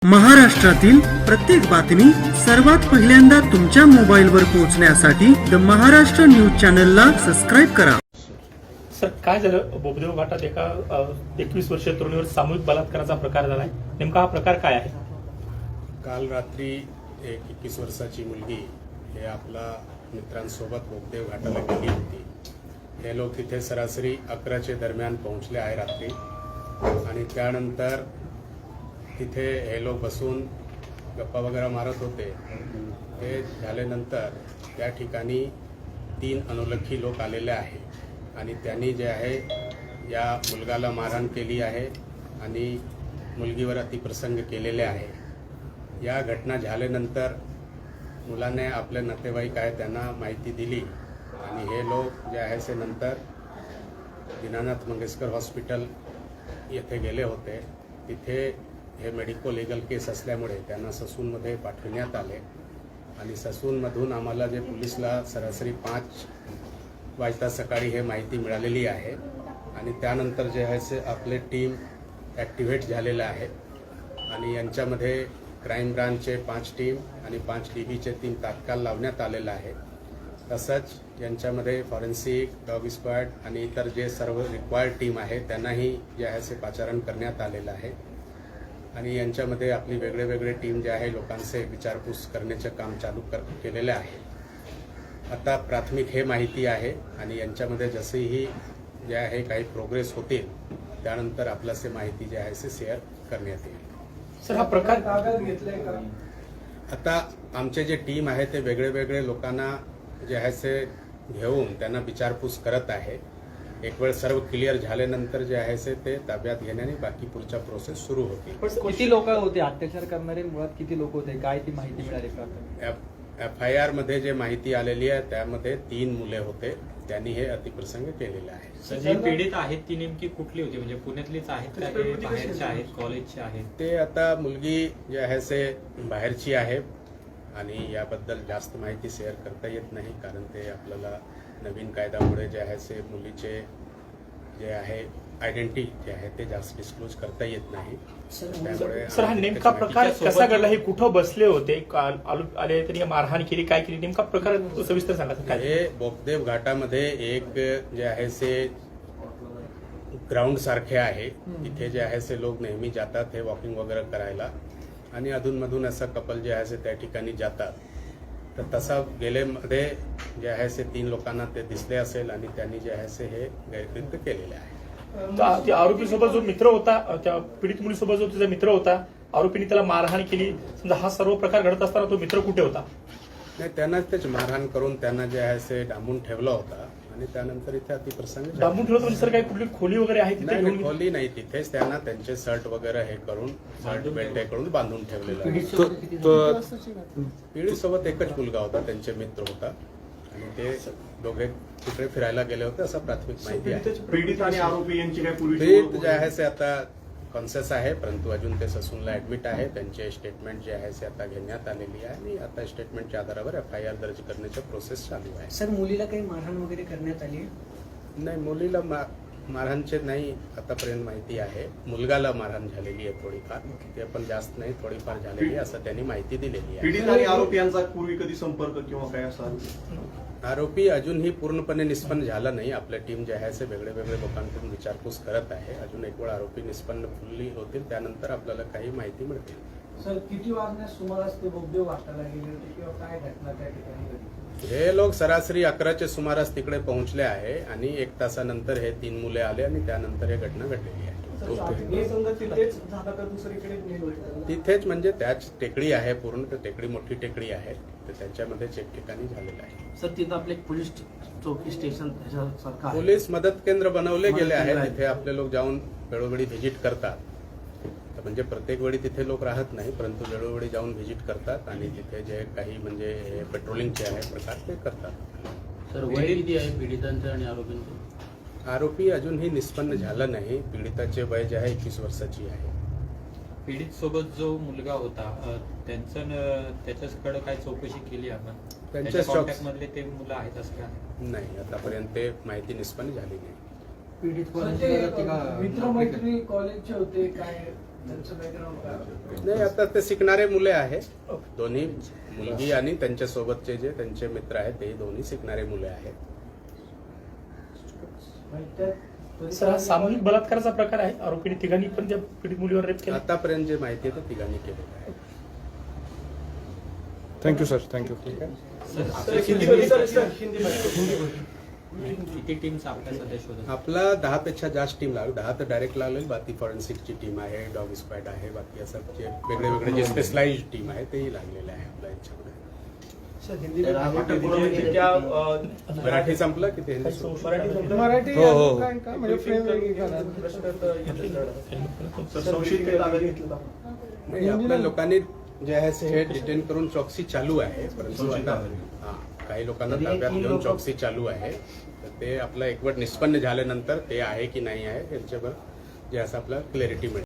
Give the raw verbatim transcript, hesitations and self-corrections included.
महाराष्ट्रातील प्रत्येक बातमी सर्वात पहिल्यांदा तुमच्या मोबाईलवर पोहोचण्यासाठी द महाराष्ट्र न्यूज चॅनलला सबस्क्राईब करा. सर, काय झालं? बोबदेव घाटात एका एकवीस वर्षीय तरुणीवर सामूहिक बलात्काराचा प्रकार झालाय. नेमका हा प्रकार काय आहे? काल रात्री एक एकवीस वर्षाची मुलगी हे आपला मित्रांसोबत बोबदेव घाटाला गेली होती. हे लोक तिथे सरासरी अकराचे दरम्यान पोहोचले आहे रात्री, आणि त्यानंतर तिथे हे लोक बसून गप्पा वगैरे मारत होते. ते झाल्यानंतर त्या ठिकाणी तीन अनोळखी लोक आलेले आहे आणि त्यांनी जे आहे या मुलगाला मारहाण केली आहे आणि मुलगीवर अतिप्रसंग केलेले आहे. या घटना झाल्यानंतर मुलाने आपले नातेवाईक आहे त्यांना माहिती दिली आणि हे लोक जे आहे ते नंतर दीनानाथ मंगेशकर हॉस्पिटल येथे गेले होते. तिथे हे मेडिको लिगल केस असल्यामुळे त्यांना ससूनमध्ये पाठविण्यात आले आणि ससूनमधून आम्हाला जे पोलिसला सरासरी पाच वाजता सकाळी हे माहिती मिळालेली आहे आणि त्यानंतर जे आहे ते आपले टीम ॲक्टिव्हेट झालेलं आहे आणि यांच्यामध्ये क्राईम ब्रांचचे पाच टीम आणि पाच डी बीचे तीन तात्काळ लावण्यात आलेलं आहे. तसंच यांच्यामध्ये फॉरेन्सिक, डॉग स्क्वॉड आणि इतर जे सर्व रिक्वायर्ड टीम आहे त्यांनाही जे आहे ते पाचारण करण्यात आलेलं आहे आणि यांच्यामध्ये आपली वेगळे वेगळे टीम जे आहे लोकांचे विचारपूस करण्याचे काम चालू कर केलेले आहे. आता प्राथमिक हे माहिती आहे आणि यांच्यामध्ये जसेही जे आहे काही प्रोग्रेस होतील त्यानंतर आपल्यासे माहिती जे आहे ते शेअर करण्यात येईल. सर, हा प्रकार ताब्यात घेतलाय का? आता आमचे जे टीम आहे ते वेगळे वेगळे लोकांना जे आहे ते घेऊन त्यांना विचारपूस करत आहे. एक वेळ सर्व क्लिअर झाल्यानंतर जे आहे ते ताब्यात घेण्याने बाकी पुढच्या प्रोसेस सुरू होतील. किती लोक होते अत्याचार करणारे? मुळात किती लोक होते? काय ती माहिती मिळाली का? एफ आय आर मध्ये जे माहिती आलेली आहे त्यामध्ये तीन मुले होते, त्यांनी हे अतिप्रसंग केलेले आहे. जी पीडित आहेत ती नेमकी कुठली होती? म्हणजे पुण्यातलीच आहेत का, ते बाहेरचे आहेत, कॉलेजचे आहेत? ते आता मुलगी जे आहे ते बाहेरची आहे आणि याबद्दल जास्त माहिती शेअर करता येत नाही, कारण ते आपल्याला नवीन कायद्यामुळे जे आहे ते मुलीचे जे आहे आयडेंटिटी जे आहे ते जास्त डिस्क्लोज करता येत नाही. त्यामुळे सर, हा नेमका प्रकार कसा घडला? हे कुठं बसले होते? आले तरी मारहाण केली, काय केली? नेमका प्रकार सविस्तर सांगा. काय हे बोबदेव घाटामध्ये एक जे आहे ते ग्राउंड सारखे आहे, तिथे जे आहे ते लोक नेहमी जातात हे वॉकिंग वगैरे करायला आणि अधूनमधून असं कपल जे आहे ते त्या ठिकाणी जातात. तर तसा गेलेमध्ये जे आहे ते तीन लोकांना ते दिसले असेल आणि त्यांनी जे आहे ते हे गैरकृत्य केलेले आहे. त्या आरोपी सोबत जो मित्र होता, त्या पीडित मुलीसोबत जो तिचा मित्र होता, आरोपीने त्याला मारहाण केली, समजा हा सर्व प्रकार घडत असताना तो मित्र कुठे होता? नाही, त्यांना तेच मारहाण करून त्यांना जे आहे ते डांबून ठेवला होता आणि त्यानंतर इथे अतिप्रसंग झाला. डांबून ठेवलं म्हणजे सर काही कुठली खोली वगैरे आहे तिथे? नाही, घेऊन खोली नाही, तिथेच त्यांना त्यांचे शर्ट वगैरे हे करून शर्ट बेल्ट हे करून बांधून ठेवलेलं आहे. पीडित सोबत एकच मुलगा होता, त्यांचे मित्र होता आणि ते दोघे तिकडे फिरायला गेले होते असं प्राथमिक माहिती आहे. पीडित आणि आरोपी यांची काय पीडित जे आहे ते आता कॉन्शियस आहे, परंतु अजून ते ससूनला ऍडमिट आहे. त्यांचे स्टेटमेंट जे आहे ते आता घेण्यात आलेली आहे आणि आता स्टेटमेंटच्या आधारावर एफ आय आर दर्ज करण्याची प्रोसेस चालू आहे. सर, मुलीला काही मारहाण वगैरे करण्यात आली? नाही, मुलीला मारहाणचे नाही आतापर्यंत माहिती आहे. मुलगाला मारहाण झालेली आहे थोडीफार, ते पण जास्त नाही, थोडीफार झालेली आहे असं त्यांनी माहिती दिलेली आहे. पीडित आणि आरोपी यांचा पूर्वी कधी संपर्क किंवा काय असा? आरोपी अजूनही पूर्णपणे निष्पन्न झाला नाही. आपल्या टीम जे आहे ते वेगळे वेगळे लोकांकडून विचारपूस करत आहे. अजून एक वेळ आरोपी निष्पन्न फुल्ली होतील त्यानंतर आपल्याला काही माहिती मिळतील. सर, किती वाजण्यास सुमारास ते बोबदेव घाटाला गेले होते किंवा काय घटना त्या ठिकाणी घडली? हे लोक सरासरी अकराच्या सुमारास तिकडे पोहोचले आहे आणि एक तासानंतर हे तीन मुले आले आणि त्यानंतर हे घटना घडलेली आहे. तिथेच म्हणजे त्याच टेकडी आहे, पूर्ण टेकडी मोठी टेकडी आहे, तर त्याच्यामध्येच एक ठिकाणी झालेलं आहे. सर, तिथं आपले पोलीस चौकी स्टेशन पोलीस मदत केंद्र बनवले गेले आहे. तिथे आपले लोक जाऊन वेळोवेळी व्हिजिट करतात. म्हणजे प्रत्येक वेळी तिथे लोक राहत नाही, परंतु वेळोवेळी जाऊन व्हिजिट करतात आणि तिथे जे काही म्हणजे पेट्रोलिंगचे आहे प्रकार ते करतात. सर, वय किती आहे पीडितांचं आणि आरोपींचं? आरोपी अजूनही निष्पन्न झाला नाही. पीडिताचे वय जे आहे एकवीस वर्षाची आहे. पीडित सोबत जो मुलगा होता त्यांचं त्याच्याकडे काय चौकशी केली आपण? त्यांच्या कॉन्टॅक्ट मधले ते मुलं आहेत असं का? नाही, आतापर्यंत ते माहिती निष्पन्न झाली नाही. पीडित मित्रमैत्री कॉलेजचे होते काय? त्यांचं बॅकग्राऊंड काय? नाही, आता ते शिकणारे मुले आहे. दोन्ही मुलगी आणि त्यांच्या सोबतचे जे त्यांचे मित्र आहेत ते दोन्ही शिकणारे मुले आहेत. म्हणजे त्यात सर हा सामूहिक बलात्काराचा प्रकार आहे. आरोपीने तिघांनी पण त्या पीडित मुलीवर रेप केला. आतापर्यंत जे माहिती आहे ते तिघांनी केलेलं आहे. थँक्यू सर थँक्यू किती टीम्स आपल्या सध्या शोधत आपला दहा पेक्षा जास्त टीम लागेल. दहा तर डायरेक्ट लागेल. बाकी फॉरेन्सिकची टीम आहे, डॉग स्क्वॅड आहे, बाकी असं जे वेगळे वेगळे जे स्पेशलाइज टीम आहे तेही लागलेले आहे आपल्या याच्यामध्ये. मराठी संपलं की ते हिंदी सुरू? मराठी हो, हो, हो. संशयित काही ताब्यात घेतलं नाही, आपल्या लोकांनी जे आहे ते डिटेन करून चौकसी चालू आहे. परंतु आता हा, काही लोकांना ताब्यात घेऊन चौकसी चालू आहे. तर ते आपलं एकवट निष्पन्न झाल्यानंतर ते आहे की नाही आहे याच्यावर जे असं आपलं क्लॅरिटी मिळेल.